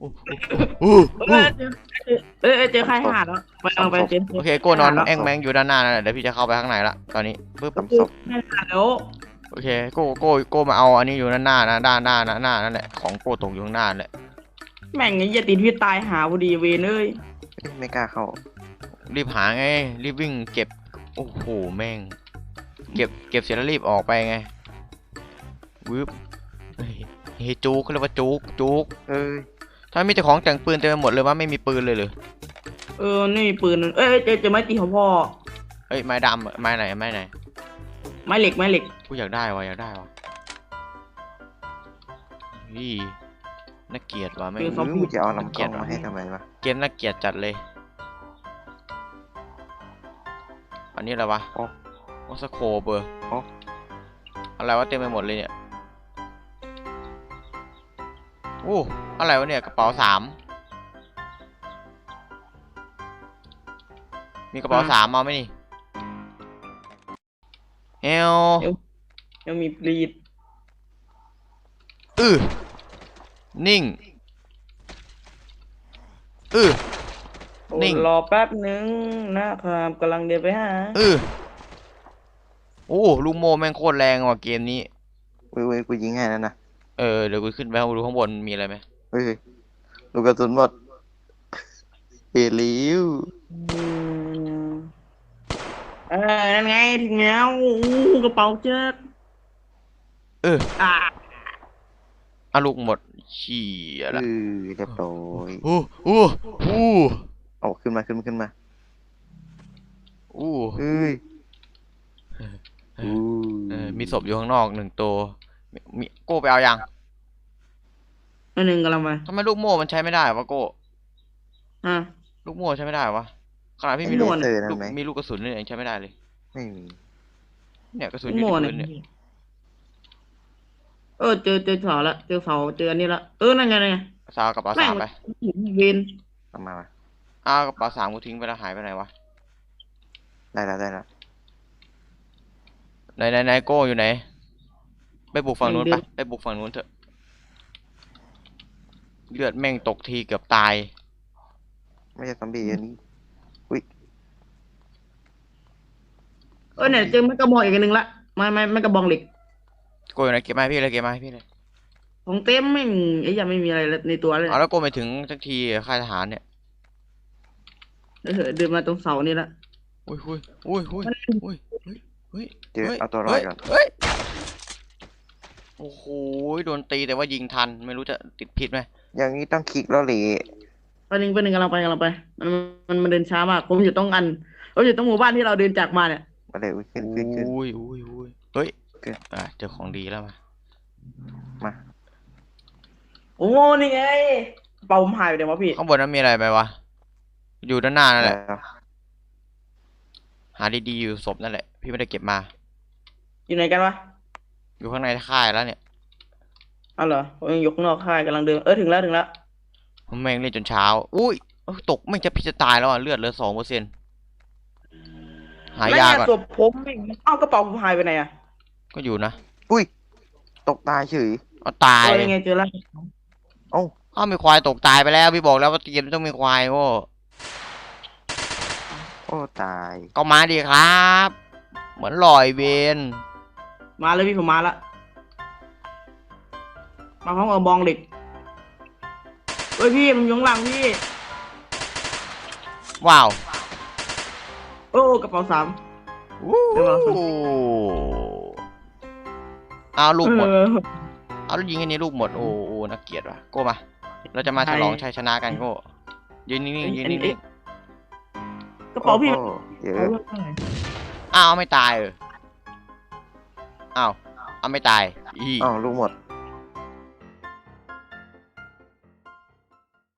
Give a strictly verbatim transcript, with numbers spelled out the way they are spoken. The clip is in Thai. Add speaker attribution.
Speaker 1: โอ้โห
Speaker 2: เออเจอเออเจอใครหาดแล้วไปเอาไปเจน
Speaker 1: โอเคโก้นอนแอ่งแมงอยู่ด้านหน้านั่นแหละเดี๋ยวพี่จะเข้าไปข้างในละตอนนี้ปึ๊บ
Speaker 3: ทำศพ
Speaker 2: ให้หาดแล้ว
Speaker 1: โอเคโก้โก้โก้มาเอาอันนี้อยู่ด้านหน้านะด้านหน้านะหน้านั่นแหละของโก้ตกอยู่ข้างหน้าแหละ
Speaker 2: แม่งไอ้ยาติดพี่ตายหาพอดีเวนเอ้ย
Speaker 3: ไม่กล้าเข้า
Speaker 1: รีบหาไงรีบวิ่งเก็บโอ้โหแม่งเก็บเก็บเสร็จแล้วรีบออกไปไงวืบเฮ้ยเฮ้ยจุกเขาเรียกว่าจุกจุก
Speaker 3: เอ้ย
Speaker 1: ถ้ามีแต่ของแต่งปืนเต็มไปหมดเลยว่าไม่มีปืนเลยเหรอ
Speaker 2: เออนี่ปืนเอ้ยเจอเจอไม้ตีของพ่อ
Speaker 1: เฮ้ยไม้ดำอะไม้ไหนไม้ไหน
Speaker 2: ไม้เหล็กไม้เหล็ก
Speaker 1: กูอยากได้วะอยากได้วะนี่น่าเกลียดว่ะไม่ง
Speaker 3: หรือมึงจะเอาลำกล้องมาให้ทำไมวะ
Speaker 1: เกมน่าเกลียดจัดเลยอันนี้อะไรวะ
Speaker 3: โอ้
Speaker 1: โอสโคเบอร์
Speaker 3: โอ้
Speaker 1: อะไรวะเต็มไปหมดเลยเนี่ยอู้อะไรวะเนี่ยกระเป๋าสามมีกระเป๋าสามมาไหมนี่เอล
Speaker 2: ยังมีปลีด
Speaker 1: อือนิ่งอือ
Speaker 2: โอ้
Speaker 1: นิ่ง
Speaker 2: รอแป๊บนึงนะครับกำลังเดินไปหา
Speaker 1: อือโอ้ลูกโม่แม่งโคตรแรงว่ะเกมนี้
Speaker 3: เว้ยเว้ยกูยิงให้นั่นนะ
Speaker 1: เออเดี๋ยวกูขึ้นไปดูข้างบนมีอะไรไหม
Speaker 3: เฮ้ยลูกกระสุนหมดเฮลิว
Speaker 2: อืมเออนั่นไงถึงแล้วอู้กระเป๋าเจ๊ก
Speaker 1: เออ
Speaker 2: อ่า
Speaker 1: อาลูกหมดเชี่ย
Speaker 3: เอ
Speaker 1: ละ
Speaker 3: อเรียบร้อย
Speaker 1: โอ้โอ้โอ้
Speaker 3: เอาขึ้นมาขึ้นมาขึ้นมา
Speaker 1: โอ้
Speaker 3: เอ้ยอู้
Speaker 1: เออมีศพอยู่ข้างนอกหนึ่งตัวมีมีโก้ไปเอายัง
Speaker 2: อันหนึ่งกำลังมา
Speaker 1: ทำไมลูกโม่มันใช้ไม่ได้วะโก้
Speaker 2: อ่ะ
Speaker 1: ลูกโม่ใช้ไม่ได้วะขนาดพี่
Speaker 3: ไม่
Speaker 1: มี
Speaker 3: รู้
Speaker 1: ลูก
Speaker 3: เจอนั่
Speaker 1: ลู
Speaker 3: น
Speaker 1: ก
Speaker 3: ไหม
Speaker 1: มีลูกกระสุนเนี่ยยังใช้ไม่ได้เลย
Speaker 3: ไม่มี
Speaker 1: เนี่ยกระสุนอ
Speaker 2: โม
Speaker 1: ยู่ที่
Speaker 2: เนี่
Speaker 1: พื้นเนี่ย
Speaker 2: ยเออเจอเจอเสาละเจอเสาเจออันนี้ละเออนั่นไงนั่นไง
Speaker 1: สาวกระเป๋า
Speaker 2: แม่ง
Speaker 1: สามไป
Speaker 2: เวน
Speaker 3: เอามามา
Speaker 1: อ้าวกระเป๋าสามกูทิ้งไปแล้วหายไปไหนวะ
Speaker 3: ได้แล้วได้แล้ว
Speaker 1: ไหนไหนไหนโก้อยู่ไหนไปบุกฝั่งนู้นไปไปบุกฝั่งนู้นเถอะเลือดแม่งตกทีเกือบตาย
Speaker 3: ไม่ใช่ซอมบี้อันนี้
Speaker 2: เออเนี่ยเจอไม้กระบอกอีกอันหนึ่งละไม้ไม้ไม้กระบอกเหล็ก
Speaker 1: โก้อยู่ไหนเก็บมาให้พี่เลยเก็บมาให้พี่เลย
Speaker 2: ของเต็มไม่มีไอ้ยังไม่มีอะไรในตัวเลย
Speaker 1: เอาแล้วโก้ไปถึงสักทีค่ายทหารเนี่ย
Speaker 2: เออเดินมาตรงเสานี่ละ
Speaker 1: อุ้ยอุ้ยอุ้ยอุ้ยอุ้ยเฮ้ยเฮ้ย
Speaker 3: เจอเอาตัวรอดก่อน
Speaker 1: เฮ้ยโอ้โหโดนตีแต่ว่ายิงทันไม่รู้จะติดพิษไหม
Speaker 3: อย่างนี้ต้องคลิกแล้วเหละ
Speaker 2: ไปหนึ่งไปหนึ่งกำลังไปกำลังไปมันมันมันเดินช้ามากผมอยู่ตรงอันผมอยู่ตรงหมู่บ้านที่เราเดินจากมาเนี่ย
Speaker 3: มาเลยอุ้ยขึ้นขึ้นขึ้น
Speaker 1: อุ้ยอุ้ยอุ้ยเฮ้ย
Speaker 3: ขึ้น
Speaker 1: อ่ะเจอของดีแล้วมา
Speaker 3: มา
Speaker 2: โอ้นี่ไงเป่าผมหายไปเดี๋ยววะพี่
Speaker 1: ข้างบนนั้นมีอะไรไหมวะอยู่ด้านหน้านั่นแหละ
Speaker 3: แล้ว
Speaker 1: หาดีๆอยู่ศพนั่นแหละพี่ไม่ได้เก็บมา
Speaker 2: อยู่ไหนกันวะ
Speaker 1: อยู่ข้างในค่ายแล้วเนี่ย
Speaker 2: เอาเหรอผมยังอยู่ข้างนอกค่ายกำลังเดินเออถึงแล้วถึงแล้ว
Speaker 1: ผมแม่งเล่นจนเช้าอุ้ยเอ้ยตกไม่งจะพิษจะตายแล้วอ่ะเลือดเหลือสองเปอร์เซ็นต์หายาก่อน
Speaker 2: แล้วเนี่ยศพผมไม่เอ้ากระเป๋าผมหายไปไหนอะ
Speaker 1: ก็อยู่นะ
Speaker 3: อุ้ยตกตายเฉย
Speaker 1: เอาตาย
Speaker 2: เออยังไงเจอแล้ว
Speaker 3: เอ้า
Speaker 1: อ้าวมีควายตกตายไปแล้วพี่บอกแล้วว่าเกมต้องมีควายโว้
Speaker 3: โอ้ตาย
Speaker 1: ก็มาดีครับ เหมือนลอยเวน
Speaker 2: มาเลยพี่ผมมาละมาพร้อมกับบองเหล็กเฮ้ยพี่มันอยข้างหลังพี่
Speaker 1: ว้าว
Speaker 2: โอ้กระเป๋าสาม
Speaker 1: วู้
Speaker 2: เดี๋ยวเราส่ง
Speaker 1: เอาลูกหมด
Speaker 2: เออ
Speaker 1: เอาลูกยิงอันนี้ลูกหมดโอ้โหนักเกียรติว่ะโก้มาเราจะมาฉลองชัยชนะกันโก้ยืนนิ่งๆยืนนิ่ง
Speaker 2: กระเป๋าพี่
Speaker 3: โอ้โหเย
Speaker 2: เอา
Speaker 3: อะ
Speaker 2: เรื่องข้างไหน
Speaker 1: ๆอ้าวไม่ตายเอออ้าวเอาไม่ตายอี
Speaker 3: อ้าวลูกหมด